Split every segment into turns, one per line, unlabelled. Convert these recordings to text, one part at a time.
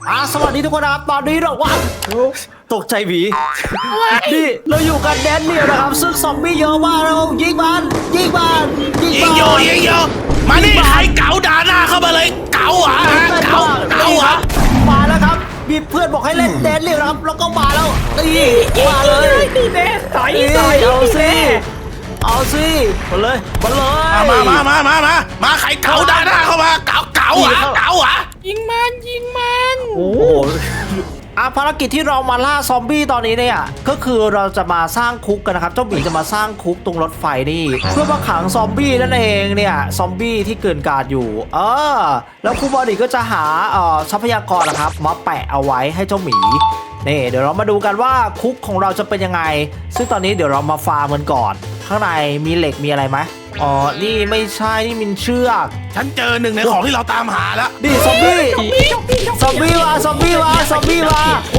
สวัสดีทุกคนนะครับตอนนี้เราว่าตกใจหวีนี่เราอยู่กันแดนเนียลนะครับซึ่งซอมบี้เยอะมากเรายิงมันยิง
มานี่ใครเก๋าด่าหน้าเข้ามาเลยเก๋าเหรอเก๋าเหรอ
มาแล้วครับมีเพื่อนบอกให้เล่นแดนเนียลนะครับแล้วก็มาแล้วนี่มาเลย
นี่แน่ต่อย
เอาสิมาเลย
มาใครเก๋าด่าหน้าเข้ามาเก๋าเหรอ
ยิงมัน
โอ้ภารกิจที่เรามาล่าซอมบี้ตอนนี้เนี่ยก็คือเราจะมาสร้างคุกกันนะครับเจ้าหมีจะมาสร้างคุกตรงรถไฟนี่เพื่อมาขังซอมบี้นั่นเองเนี่ยซอมบี้ที่เกินกาดอยู่แล้วครูบอดี้ก็จะหาทรัพยากรนะครับมาแปะเอาไว้ให้เจ้าหมีนี่เดี๋ยวเรามาดูกันว่าคุกของเราจะเป็นยังไงซึ่งตอนนี้เดี๋ยวเรามาฟาร์มกันก่อนข้างในมีเหล็กมีอะไรไหมนี่ไม่ใช่นี่มินเชือก
ฉันเจอหนึ่งในของที่เราตามหาแล้ว
นี่ซอมบี้มา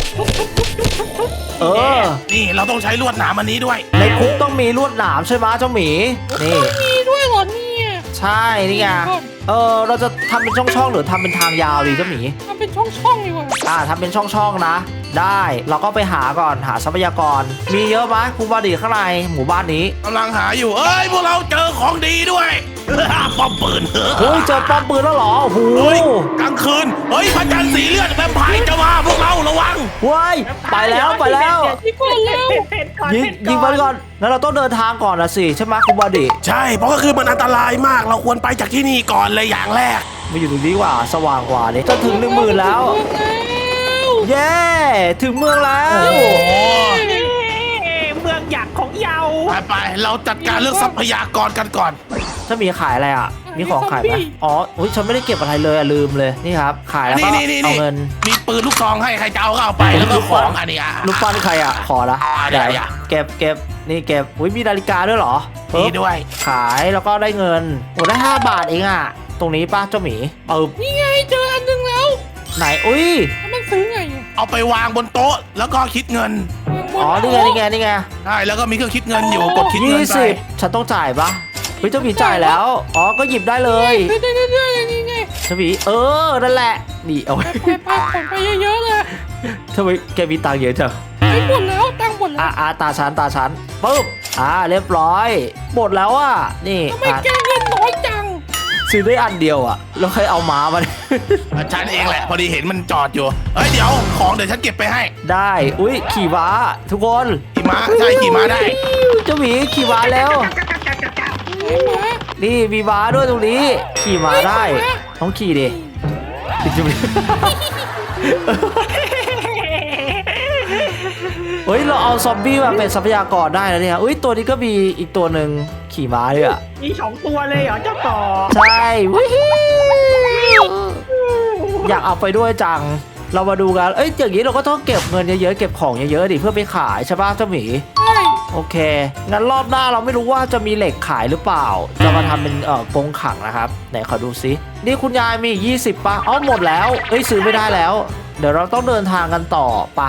นี่เราต้องใช้ลวดหนามอันนี้ด้วย
ในคุกต้องมีลวดหนามใช่ไหมเจ้าหมีนี่
มีด้วยเหรอเนี่ย
ใช่นี่ไงเราจะทำเป็นช่องๆหรือทำเป็นทางยาวดีเจ้าหมี
ทำเป็นช่องดีกว่า
ทำเป็นช่องๆนะได้เราก็ไปหาก่อนหาทรัพยากรมีเยอะไหมครูบอดี้ข้างในหมู่บ้านนี้
กำลังหาอยู่พวกเราเจอของดีด้วยป้อมปืน
เจอป้อมปืนแล้วเหรอโอ้โห
กลางคืนพระจันทร์สีเลือดแวมไพร์จะมาพวกเราระวัง
ไปแล้วยิงไปก่อนแล้วเราต้องเดินทางก่อนนะสิใช่ไหมครูบอดี้
ใช่เพราะก็คือมันอันตรายมากเราควรไปจากที่นี่ก่อนเลยอย่างแรก
มาอยู่ตรงนี้ว่าสว่างกว่านี่จะถึง10,000แล้วเย้ถึงเมืองแล้ว
เมืองหยักของเยา
ไปเราจัดการเรื่องทรัพยากรกันก่อน
ถ้ามีขายอะไรมีของขายไหมฉันไม่ได้เก็บอะไรเลยลืมเลยนี่ครับขายแล้วก็เอาเงิน
มีปืนลูกซองให้ใครจะเอาก็เอาไปแล้วก็ของอันนี้
ลูกปั้นใครขอละเก็บนี่เก็บมีนาฬิกาด้วยเหรอ
มีด้วย
ขายแล้วก็ได้เงินได้5 บาทเองตรงนี้ป้าเจ้าหมี
นี่ไงเจออันนึงแล้ว
ไหน
มันซื้อไง
เอาไปวางบนโต๊ะแล้วก็คิดเงิน
นี่ไง
ใช่แล้วก็มีเครื่องคิดเงินอยู่กดคิดเงินไป
ฉันต้องจ่ายปะเจ้าหมีจ่ายแล้วก็หยิบได้เลย
นี่ไง
เจ้าหมีนั่นแหละนี่เอา
ไปขนไปเยอะๆเลย
ทำไมแกมีตังค์เยอะจัง
หมดแล้วตังค์หมดแล้ว
ตาฉันปึ๊บเรียบร้อยหมดแล้วนี่
ทำไมแกเงินน้อยจัง
ซื้อได้อันเดียวแล้วใครเอาม้ามา
ฉันเองแหละพอดีเห็นมันจอดอยู่เดี๋ยวของเดี๋ยวฉันเก็บไปให้
ได้ขี่ม้าทุกคน
ขี่ม้าใช่ขี่ม้าได้
เจ้าหมีขี่ม้าแล้วนี่มีม้าด้วยตรงนี้ขี่ม้าได้ต้องขี่ดิเราเอาซอมบี้มาเป็นทรัพยากรได้แล้วเนี่ยตัวนี้ก็มีอีกตัวหนึ่งขี่ม้าด้วย
มี2 ตัวเลยเหรอเจ้าต่อ
ใช่อยากเอาไปด้วยจังเรามาดูกันอย่างนี้เราก็ต้องเก็บเงินเยอะๆเก็บของเยอะๆดิเพื่อไปขายใช่ป่ะเจ้าหมีโอเคงั้นรอบหน้าเราไม่รู้ว่าจะมีเหล็กขายหรือเปล่าจะมาทำเป็นกรงขังนะครับไหนขอดูซินี่คุณยายมี20ป่ะหมดแล้วซื้อไม่ได้แล้วเดี๋ยวเราต้องเดินทางกันต่อป่ะ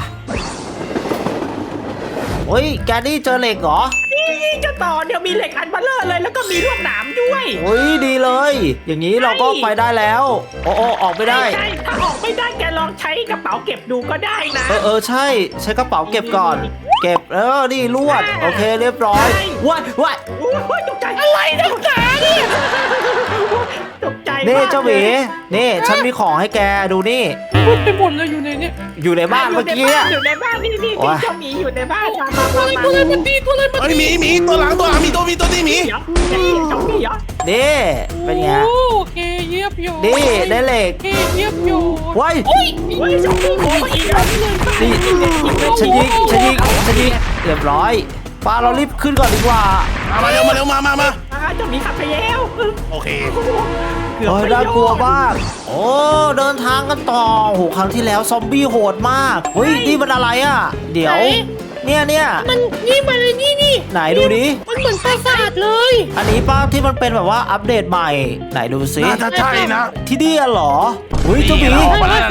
แกนี่เจอเหล็กเหรอ
นี่จะต่อเดี๋ยวมีเหล็กอันเบลเลอร์เลยแล้วก็มีลวดหนามด้วย
ดีเลยอย่างนี้เราก็ไปได้แล้วออกไม่ได้
ใช่ถ้าออกไม่ได้แกลองใช้กระเป๋าเก็บดูก็ได้นะ
ใช่ใช้กระเป๋าเก็บก่อนเก็บนี่ลวดโอเคเรียบร้อยว้าย
ตกใจอะไรนะตาเนี่ยตกใจ
นี่เจ้าหมีนี่ฉันมีของให้แกดูนี่
ไปหมดเลยอยู่ในนี้
อยู่ในบ้านเมื่อกี้
อยู่ในบ้านนี่เจ้าหมีอยู่ในบ้าน
ตัวอะไรมันดีตัวหลังมีตัวนี้หมี
นี่เป็นไง
โอเคเยียบโย
นี่ได้เหล็ก
เยียบโย
ว้าย
นี่
ฉันยิงเรียบร้อยป้าเรารีบขึ้นก่อนดีกว่า
มาเร็ว
จะมีขับไปแล้ว
โอเค
น่ากลัวมากเดินทางกันต่อครั้งที่แล้วซอมบี้โหดมากนี่มันอะไรเดี๋ยวเนี่ย
มันนี่มาเลยนี่
ไหนดูดิ
มันเหมือนปราสาทเลย
อันนี้ป้าที่มันเป็นแบบว่าอัปเดตใหม่ไหนดูซิ
น่าจะใช่นะ
ที่นี่เหรอเจ้าหมี
นี่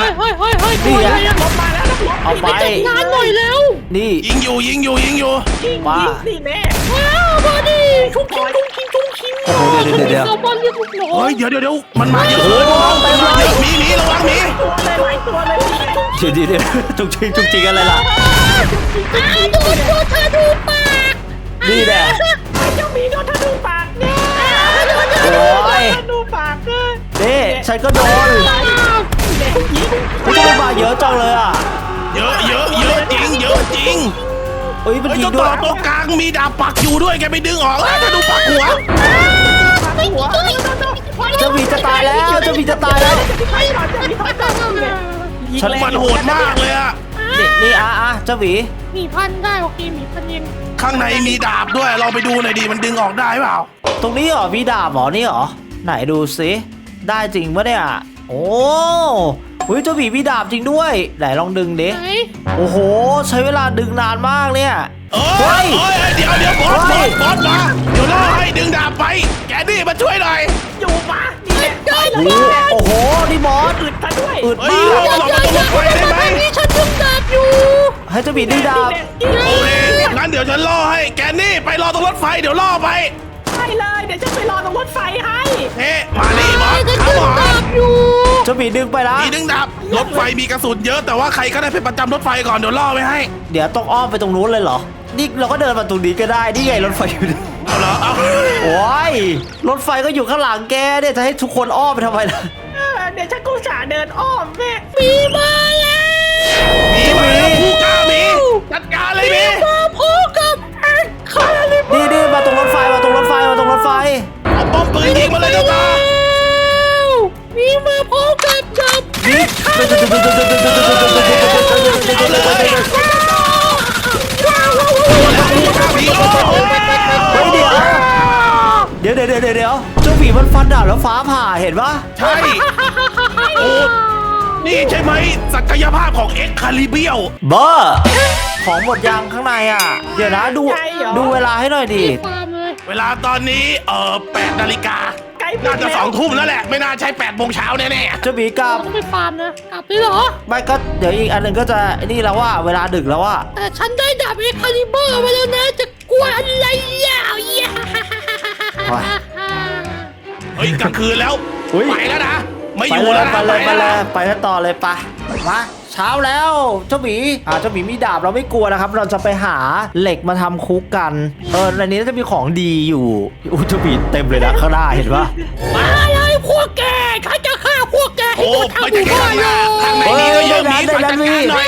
เอาไป
งานหน่อยแล้ว
นี่
ยิงอยู่
ป้า
นี่แม่ว้าวบอดี้ชุกจุงคิม
โอ้โหเดี๋ยว
แซลมอนเรียกลูกน้อง
เฮ้ยเดี๋ยวมันมาเยอะ
โอ้โหเต็มเลย
หมีระวังหมี
ตัวเลยหลายตัวเลย
เดี๋ยวจุกจิกอะไรล่ะ
โดนตัวเธอดูปาก
นี่แหละ
ไอ้เจ้าหมีโดนเธอดูปากเนี่ย
โอ้ย
เธอดูปากเนี่ย
นี่ฉันก็โดน
เด็กหญิง
มันจะมาเยอะจังเลยอ่ะ
เยอะจริง
เอ้ยมัน
ไอ้
ยิ
เจ้าง
ด้
ต่
ว
อย ตัวกลางมีดาบปักอยู่ด้วยแกไปดึงออกแล้วถ้าดูปักหัว
ไม่หัว
เจ้าหมีจะตายแล้วเจ้าหมีจะตายแล้ว
ไม่หรอกจะมีคนจับเลย
ฉัน
มันโหดมากเลยอะ
นี่เจ้าหมี
มีพันได้โอเคมีพันเอง
ข้างในมีดาบด้วยลองไปดูหน่อยดิมันดึงออกได้เปล่า
ตรงนี้เหรอมีดาบเหรอนี่เหรอไหนดูสิได้จริงปะเนี่ยโอ้เฮ้ยเจ้าหมีมีดาบจริงด้วยไหนลองดึงดิ
ไหน
โอ้โหใช้เวลาดึงนานมากเนี่ย
เฮ้ยเดี๋ยวบอสมาเดี๋ยวรอให้ดึงดาบไปแกนี่มาช่วยหน่อย
อยู่ปะนี่แหละได้เล
โอ้
ย
โหนี่มอส
อึดซะด้วย
อึด
เฮ้
มาย ก
เรามาตรงรถไฟได้ไหม
นี่ฉันดึงดาบอยู่
ให้เจ้าหมีดึงดาบ
โอเคงั้นเดี๋ยวฉันล่อให้แกนี่ไปรอตรงรถไฟเดี๋ยวล่อไป
ใช่เลยเดี๋ยวฉันไปรอตรงรถไฟให้
เฮ้มานี่บอส
ฉัน
เขา
ดึ
บ
ง
อก
ดาบอยู่
เจ้าหมีดึงไปละ
มีดึงดาบรถไฟมีกระสุนเยอะแต่ว่าใครก็ได้ไปประจำรถไฟก่อนเดี๋ยวล่อไว้ให้
เดี๋ยวต้องอ้อมไปตรงนู้นเลยเหรอนี่เราก็เดินมาตรงนี้ก็ได้นี่ไงรถไฟอยู่นี่
เอาเหรอเอา
โอ้ยรถไฟก็อยู่ข้างหลังแกเนี่ยจะให้ทุกคนอ้อมไปทำไมล่ะ
เดี๋ยวฉันกูสาเดินอ้อมแม่มีมาแล้ว
หมีมาแล้วผู้กล้าหมีจัดการเลยหมี
มาพบกับแอคคาลิเบอร์
นี่มาตรงรถไฟมาตรงรถไฟ
เอาป้อมปืนยิงมาเลยเจ้าตา
มีมาพบกับจับ
นี่
เอาเลย หมีโอ้โห
เฮ้ยเดี๋ยวเจ้าหมีมันฟันดาบแล้วฟ้าผ่าเห็นปะ
ใช่โอ้นี่ใช่ไหมศักยภาพของเอ็กคาลิเบียว
บ้าของหมดยางข้างในอ่ะเดี๋ยวนะดูเวลาให้หน่อยดิ
ฟาร์มเลย
เวลาตอนนี้8 นาฬิกาน่าจะ2 ทุ่มแล้วแหละไม่น่าใช่8 โมงเช้าแน่
เจ้าหมีกลับ
ต้องไปฟาร์มนะกลับได้เหรอ
ไม่ก็เดี๋ยวอีกอันหนึ่งก็จะนี่แล้วว่าเวลาดึกแล้วว่า
แต่ฉันได้ดาบเอ็กคาลิเบอร์มาแล้วนะจะกลัวอะไรอ่ะ
เฮ้ยกลางคืนแล้ว
อุ๊ย
ไปแล้วนะไม่
ไป
อยู่
เล
แล้
ยว
นะ
ไปเลย
แล้วนะ
ไปกันต่อเลยไปมาเช้าแล้วเจ้าหมีเจ้าหมีมีดาบเราไม่กลัวนะครับ เราจะไปหาเหล็กมาทำคุกกันในนี้น่าจะมีของดีอยู่อุ้ยเจ้าหมีเต็มเลยนะข้างหน้าเห็นปะ
มาเลยพวกแกข้าจะฆ่าพวกแกให้
โอ้
หมดทั้ง
ไม่
ห
ใช่
มู่
แค่
บ้าน
ข้างห
เล
น้าย ข้างในนี้ก็เยอะมี
เฮ้ย
จัดการหน่อย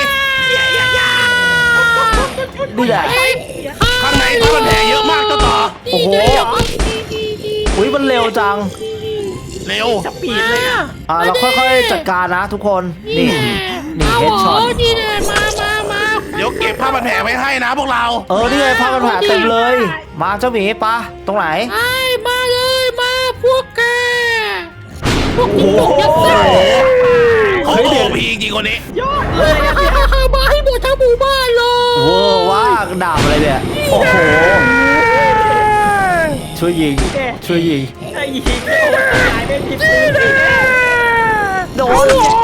นี่แหละ
ข้างในผ้าพันแผลเยอะมากเจ้าต่อ
โอ้โห อุ้ยมันเร็วจัง
เร็ว
จะปีดเลยอ่ะ
เราค่อยๆจัดการนะทุกคนนี่
นี่
เฮดช็อต
นี่แน่มา
เดี๋ยวเก็บผ้าพันแผลไว้ให้นะพวกเรา
นี่ไงผ้ากันแผลเต็มเลย มาเจ้าหมีปะตรงไหน
ไอ้มาเลยมาพวกแกพวก
โอ้
กิน
โห
หมดยัดไส้
โอ้โหพีจริงคนนี้
ยอดเลยมาให้หมดทั้งหมู่บ้านเลย
เวอร์ว่างดาบอะไรเนี่ยโอ้โหช่วยยิง
ไอ้ยิงโอ้ยตายไม่ผิดเลย
โดน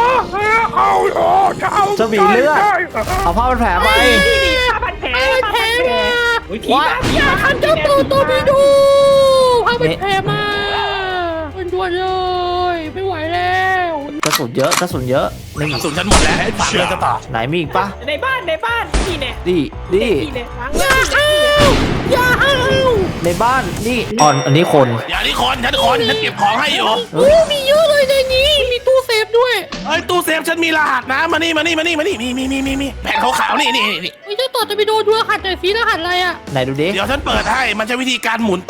เจ้าหมีเลือดเอาผ้ากันแผลไป
นี่ผ้าพันแผลผ้าพันแผลอย่าทำเจ้าตัวไม่ดูผ้าพันแผลมาเป็นด่วนเลยไม่ไหวแล้ว
กระสุนเยอะนี่
กระสุนฉันหมดแล้วฝากเลยเจ้าต่อ
ไหนมีอีกปะ
ในบ้านนี่เนี่ย
นี่
นี่เนี่ยอย่าเอา
ในบ้านนี่อันนี้คน
อย่านี่คนฉันเก็บของให้อยู่
โอ้มีเยอะเลยในนี้มีตู้เซฟด้วย
เอ้ยตู้เซฟฉันมีรหัสนะมานี่มีแผ่นขาวๆนี่
ไม่เจ้าต่อจะไปโดนดูรหัสหน่อยสิรหัสอะไรอ่ะ
ไหนดูดิ
เดี๋ยวฉันเปิดให้มันใช้วิธีการหมุน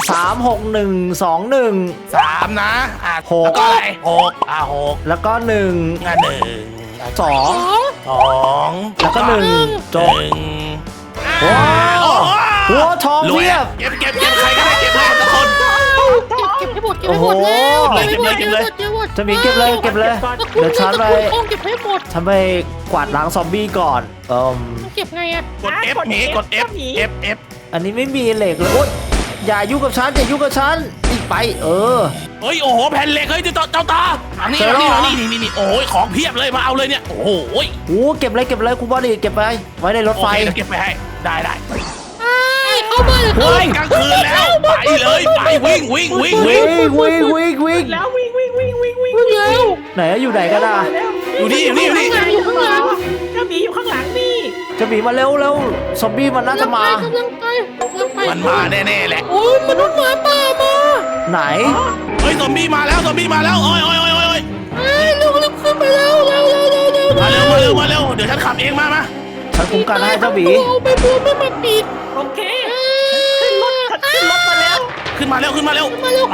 36121
3นะ
หก
แล้วก็อะไร6
แล้วก็1
1
2
2
แล้วก็1จบ
1
ว้าวหัวทอง
รวย
เพียบ
เก็บใครก็ได้เก็บให้ทุกคน
เก็บให้หมดแล้ว
จะมีเก็บเลยเดี๋ยวฉันไป
เก็บให้หมด
ฉันไปกวาดล้างซอมบี้ก่อน
เก็บไงอ่ะ
กด F หมีกด F
อันนี้ไม่มีเหล็กเลยโอ๊ยอย่ายุ่งกับฉันอีกไป
เฮ้ยโอ้โหแผ่นเหล็กเฮ้ยเจ้าตาอันนี้นี่โอ้ยของเพียบเลยมาเอาเลยเนี่ยโอ้โห
เก็บเลยคุณบอดี้เก็บไปไว้ในรถไฟ
เก็บไปให้ได้
เข้ามา
เฮ้ยกลางคืนแล้วไปเลยไปวิ่ง
วิ่ง
แล้ววิ่ง
แล้ว
ไหนอยู่ไหนกันอ่ะ
อยู่นี่
อยู่ข้างหลัง
กระบี่อยู่ข้างหลังนี่
จะมีมาเร็วซอมบี้มันน่าจะมาก
ำลังไป
มันมาแน่ๆแหละ
โอ้ยมนุษย์หมาป่ามา
ไหน
เฮ้ยซอมบี้มาแล้วโอ้ย
เร็วขึ้นไปแล้วเร็ว
มาเร็วเดี๋ยวฉันขับเองมา
ฉันคุ้มกันให้เจ้าหมี
เอาไปบัวไม่มาปิด
โอเคขึ้นรถมาแล้ว
ขึ้นมาเร็วไปแล้ว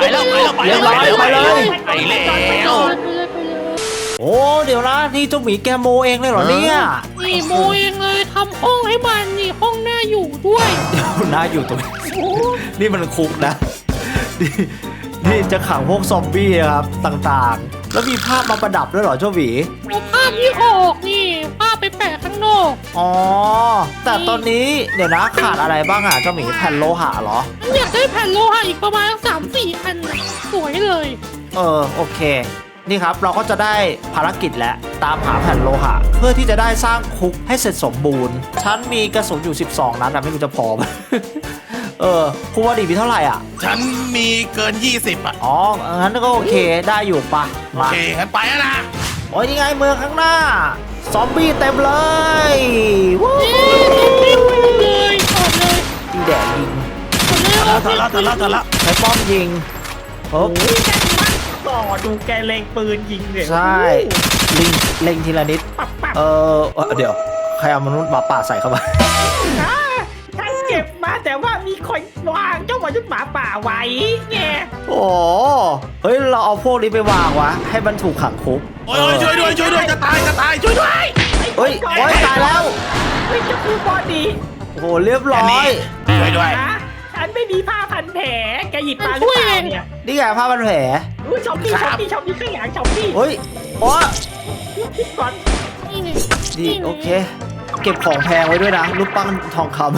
โอ้เดี๋ยวนะนี่เจ้าหมีแกโมเองเลยเหรอเนี่ย
นี่โมเองเลยทำห้องให้มันนี่ห้องหน้าอยู่ด้วย
เดี๋ยวนะอยู่ตรงนี้นี่มันคุกนะนี่จะขังพวกซอมบี้ครับต่างๆ แล้วมีภาพมาประดับด้วยเหรอเจ้าหมี
เอาภาพที่ออกนี่ภาพไปแปะข้างนอก
อ๋อแต่ตอนนี้เดี๋ยวนะขาดอะไรบ้างอ่ะเจ้าหมีแผ่นโลหะเหรอ
มันอยากได้แผ่นโลหะอีกประมาณ3-4 อันน่ะสวยเลย
โอเค นี่ครับเราก็จะได้ภารกิจแล้วตามหาแผ่นโลหะ เพื่อที่จะได้สร้างคุกให้เสร็จสมบูรณ์ฉันมีกระสุนอยู่12 นัดแต่ไม่รู้จะพอไหม คุณว่าดีมีเท่าไหร่อ่ะ
ฉันมีเกิน20อ่ะ
อ๋องั้นก็โอเคได้อยู่ปะ
โอ
มา
เคงั้นไปแล้วนะ
โอ้ยนี่ไงเมืองข้างหน้า ซอมบี้เต็มเลยวู้
เอ๊ะเลยออกเลย
อีแดดยิง
เธอละ
ใช้ป้อมยิงปุ๊บ
ต่อดูแกเลงปืนยิงเลย
ใช่เล็งทีละนิด
ปับ
เดี๋ยวใครเอามนุษย์หมาป่าใส่เข้ามา
ฉันเก็บมาแต่ว่ามีคนวางเจ้ามนุษย์หมาป่าไว้ไง
โอ้เฮ้ยเราเอาพวกนี้ไปวางวะให้มันถูกขังคุก
โอ้ยช่วยด้วยจะตายช่วยด้วย
เฮ้ยตายแล้ว
ไม่จะคือบอดี้
โอ้โหเรียบร้อย
ช่วยด้วย
นะฉันไม่มีผ้าพันแผลแกหยิบมาหรือเปล่าเนี่ย
นี่ไงผ้าพันแผล
อุ้ยชอบพี่ข้างหลังชอบพี่
เฮ้ยโอ้
คิดก่อน
นี่ไง
ดีโอเค เก็บของแพงไว้ด้วยนะรูปปั้นทองคำ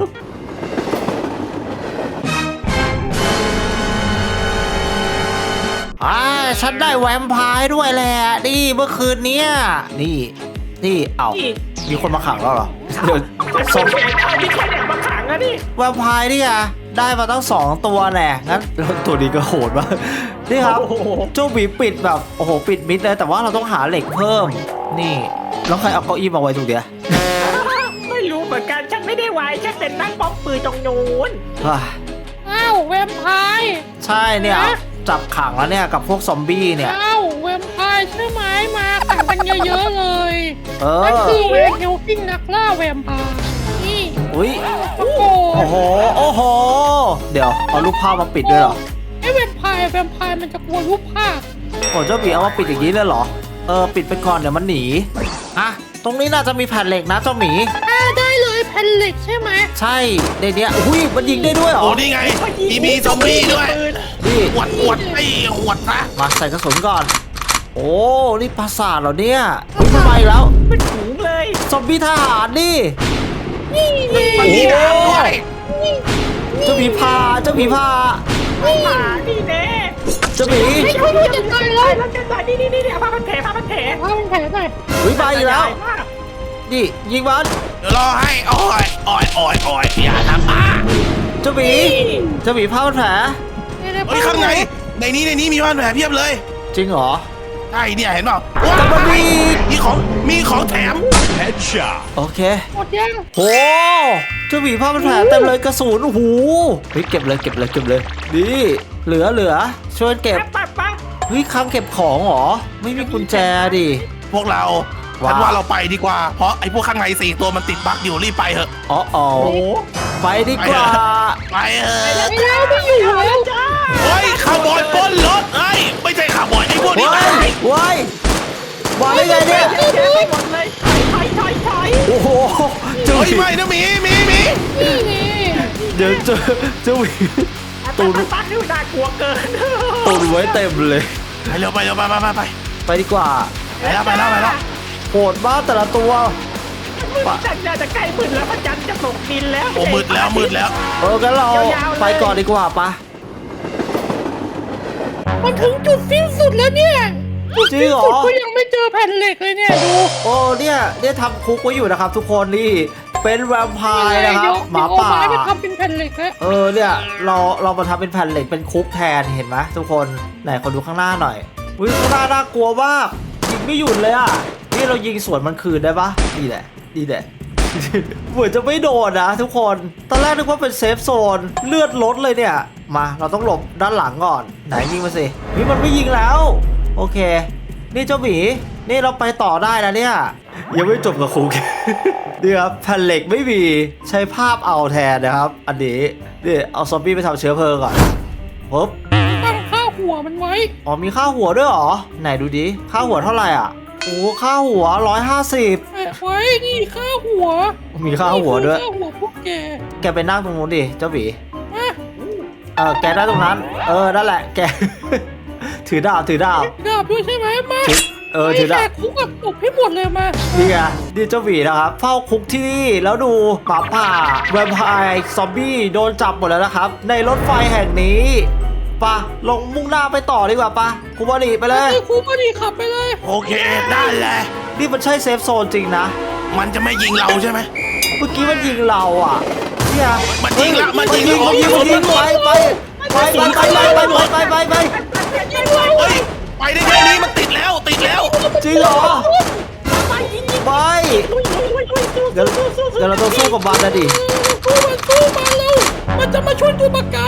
ฉันได้แวมไพร์ด้วยแหละนี่เมื่อคืนเนี้ยนี่เอ้ามีคนมาขังแล้วเหรอเดี๋ยว
สมมีคนอยากมาขังอะนี่
แวมไพร์นี่ไงได้มาตั้ง2 ตัวแน่งั้นแล้วตัวนี้ก็โหดมากนี่ครับเจ้าหมีปิดแบบโอ้โหปิดมิดเลยแต่ว่าเราต้องหาเหล็กเพิ่มนี่แล้วใครเอาเก้าอี้มาไว้ตรงเนี้ย
ไม่รู้เหมือนกันฉันไม่ได้ไว้ฉันเป็นนั่งป้อมปืนตรงนู้น
อ้าวแวมไพร์
ใช่เนี่ยจับขังแล้วเนี่ยกับพวกซอมบี้เนี่ย
อ้าวแวมไพร์ใช่ไหมมาขังกันเยอะๆเลย
เ
นั่นคือแวมเฮลฟิงนักล่าแวมไพร์นี่
อุ้ย
โอ้โห
โอ้โหเดี๋ยวเอารูปภาพมาปิดด้วยเหรอ
ไอ้แวมไพร์มันจะกลัวรูปภาพ
โอ้เจ้าหมีเอามาปิดอย่างนี้เลยเหรอปิดไปก่อนเดี๋ยวมันหนีอ่ะตรงนี้น่าจะมีแผ่นเหล็กนะเจ้าหมี
ได้เลยแผ่นเหล็กใช่ไหม
ใช่ในเนี้ยอุ้ยมันยิงได้ด้วยเหรอ
โอ้นี่ไงมีซอมบี้ด้วย
นี่
หวดไอ้หวดนะ
มาใส่กระสุนก่อน โอ้นี่ปราสาทเหรอเนี่ยอุ้ยทำไมแล้ว
เป็นถุงเลย
ซอมบี้ทหารนี่
นี่ไง
มันมีดาบด้วย
เจ้าหมีพา
ผ่านี่แน่
เจ้าหมี
ไม่ช่วยด้วยจัดการเลย
แล้วกันหน่อยนี่เอาผ้าพันแผล
ว่ามันแผลหน่อย
อุ้ยมาอีกแล้วนี่ยิงมัน
เดี๋ยวรอให้โอ้ยอย่าทำอ่ะ
เจ้าหมีผ้าพันแผล
เฮ้ยข้างในในนี้มีบ้านแผลเพียบเลย
จริงเหรอ
ใช่เนี่ยเห็นเปล่า
แต่มันมี
มีของแถม
โอเค
หมดยัง
โหเจ้าหมีผ้าพันแผลเต็มเลยกระสุนโอ้โหเฮ้ยเก็บเลยนี่เหลือช่วยเก็บ
ปั๊บ
เฮ้ยคลังเก็บของเหรอไม่มีกุญแจดิ
พวกเราฉันว่าเราไปดีกว่า เพราะไอ้พวกข้างใน4 ตัวมันติดบั๊กอยู่รีบไปเถอะ
อ๋อไปดีกว่า
ไปเถอะ
ไม่แล้วไม่อยู่แล้ว
จ้า
เฮ้ยขาวบอยปล้นรถเฮ้ยไม่ใช่ขาวบอยไอ้พวกนี้
ว้ายว้ายมาได้ไงเนี่ย
เจ๊ไปหมดเลยถอย
โอ้โหเจ้าห
เฮ้ย
มี
ไม่นะหมี
นี่ไง
เดี๋ยวเจ้าหมี
ตูนตั้งนี่น่ากลัวเกิน
ตุนไว้เต็มเลย
ไปเร็วไป
ไปดีกว่า
ไปแล้ว
โหดมากแต่ละตัว
จันจะใกล้มืดแล้วพระจันทร์จะตกดินแล้ว
โอ้มืดแล้ว
งั้นเราไปก่อนดีกว่าปะ
มันถึงจุดสิ้นสุดแล้วเนี่ย
จริงเหรอ
ก็ยังไม่เจอแผ่นเหล็กเลยเนี่ยดู
โอ้เนี่ยทำคุกไว้อยู่นะครับทุกคนนี่เป็นแวมไพร์นะครับหมาป่า
เอไม้ไปทำเป็นแผ่นเหล็กฮะ
เนี่ยเรามาทำเป็นแผ่นเหล็กเป็นคุกแทนเห็นไหมทุกคนไหนขอดูข้างหน้าหน่อยอุ้ยข้างหน้าน่ากลัวมากยิงไม่หยุดเลยอ่ะนี่เรายิงสวนมันคืนได้ปะดีแหละ เหมือนจะไม่โดนนะทุกคนตอนแรกนึกว่าเป็นเซฟโซนเลือดลดเลยเนี่ยมาเราต้องหลบด้านหลังก่อนไหนยิงมาสินี่มันไม่ยิงแล้วโอเคนี่เจ้าหมีนี่เราไปต่อได้นะเนี่ยยังไม่จบกับคุก นี่ครับแผ่นเหล็กไม่มีใช้ภาพเอาแทนนะครับอันนี้นี่เอาซอมบี้ไปทำเชื้อเพลิงก่อนปุ๊บ
ตั้งค่าหัวมันไว้
อ๋อมีค่าหัวด้วยเหรอไหนดูดิค่าหัวเท่าไหร่อ่ะโอ้ค่าหัว150
แปะไว้นี่ค่าหัว
มีค่าหัวด้วย
นี่คือค่าหัวพวกแก
แกไปนั่งตรงนู้นดิเจ้าหมี
มา
แกได้ตรงนั้นนั่นแหละแก ถือดาบ
ดาบด้วยใช่ไหมมา
ถือดาบ
ไแขกคุกกับตบให้หมดเลยมา
นี่ไงนี่เจ้าหมีนะครับเฝ้าคุกที่นี่แล้วดูหมาป่าแวมไพร์ซอมบี้โดนจับหมดแล้วนะครับในรถไฟแห่งนี้ปะลงมุ่งหน้าไปต่อดีกว่าปะคูบารีไปเลย
ไอ้คุกก็ดีขับไปเลย
โอเคได้เลย
นี่มันใช่เซฟโซนจริงนะ
มันจะไม่ยิงเราใช่ไหม
เมื่อกี้มันยิงเราอ่ะเนี่ย
มันยิงละมันยิง
มันยิงไปเฮ้ย
ไปได้แค่นี้มันติดแล้ว
จริงเหรอไปเดี๋ยวเราต้องสู้กับมันนะดิ
สู้มาแล้วมันจะมาช่วยตัวประกัน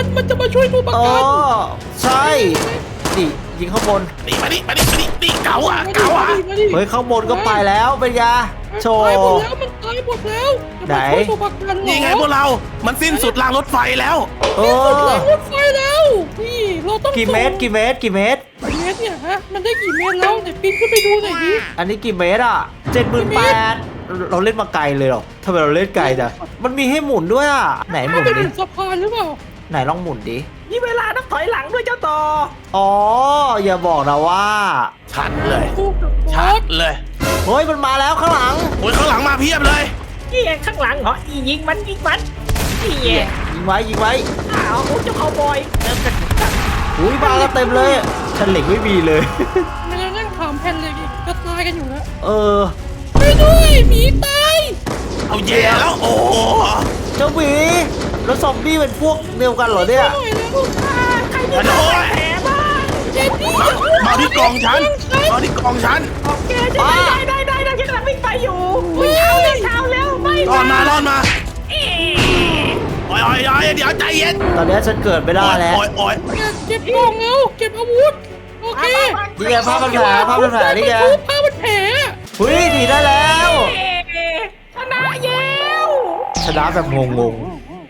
ใช่ดิยิงข้างบน
นี่มาดิเก่าอ่ะ
เฮ้ยข้างบนก็ไปแล้วเป็นไงโชว์
ตายหมดแล้วมันตายหมดแล้ว
ไหน
จะมาช่วยตัวประกันเหรอ
นี่ไงพวกเรา มันสิ้นสุดรางรถไฟแล้ว
สุดรางรถไฟแล้วนี่เราต้อง
กี่เมตร
กี่เมตรเนี่ยฮะมันได้กี่เมตรแล้วเนี่ยปีนขึ้นไปดูหน่อยดิ
อันนี้กี่เมตรอ่ะ78,000เราเล่นมาไกลเลยเหรอทำไมเราเล่นไกลจังมันมีให้หมุนด้วยอ่ะไหนหมุน
เป็น
ดิ
สะพานหรือเปล่า
ไหนลองหมุนดิ
นี่เวลานับถอยหลังด้วยเจ้าต่อ
อ๋ออย่าบอกนะว่า
ชัดเลย
สู้กับบอ
ชัด
ส
เลย
เฮ้ยมันมาแล้วข้างหลัง
โอ้ยข้างหลังมาเพียบเลย
นี่ไงข้างหลังเหรอยิงมันนี่ไง
ยิงไว้
อ้าวเจ้าคาวบอย
อุ้ยมากันเต็มเลยฉันเหล็กไม่มีเลย
ไม่ได้นั่งถามแผ่นเลยอีกจะตายกันอยู่แล้ว
ไป
ไปด้วยหมีตาย
เอาแย่แล้วโอ้โห
เจ้าหมีแล้วซอมบี้เป็นพวกเดียวกันเหรอเนี่ย
หน่อยแล้ว
ใครมีแผลบ้าง
เจนนี่
มาที่กองฉัน
โอเคได้ฉันกำลังวิ่งไปอยู่เช้าแล้วไม่
รอดมาโอ้ยเดี๋ยวใจเย็น
ตอนนี้ฉันเกิดไม่ได้แล้ว
โอ้ย
เก็บกล่องแล้วเก็บอาวุธโอเค
นี่ไงภาพมันแผลนี่ไง
ผ้ามันแผล
เฮ้ยหนีได้แล้ว
ชนะเย้ว
ชนะแบบงง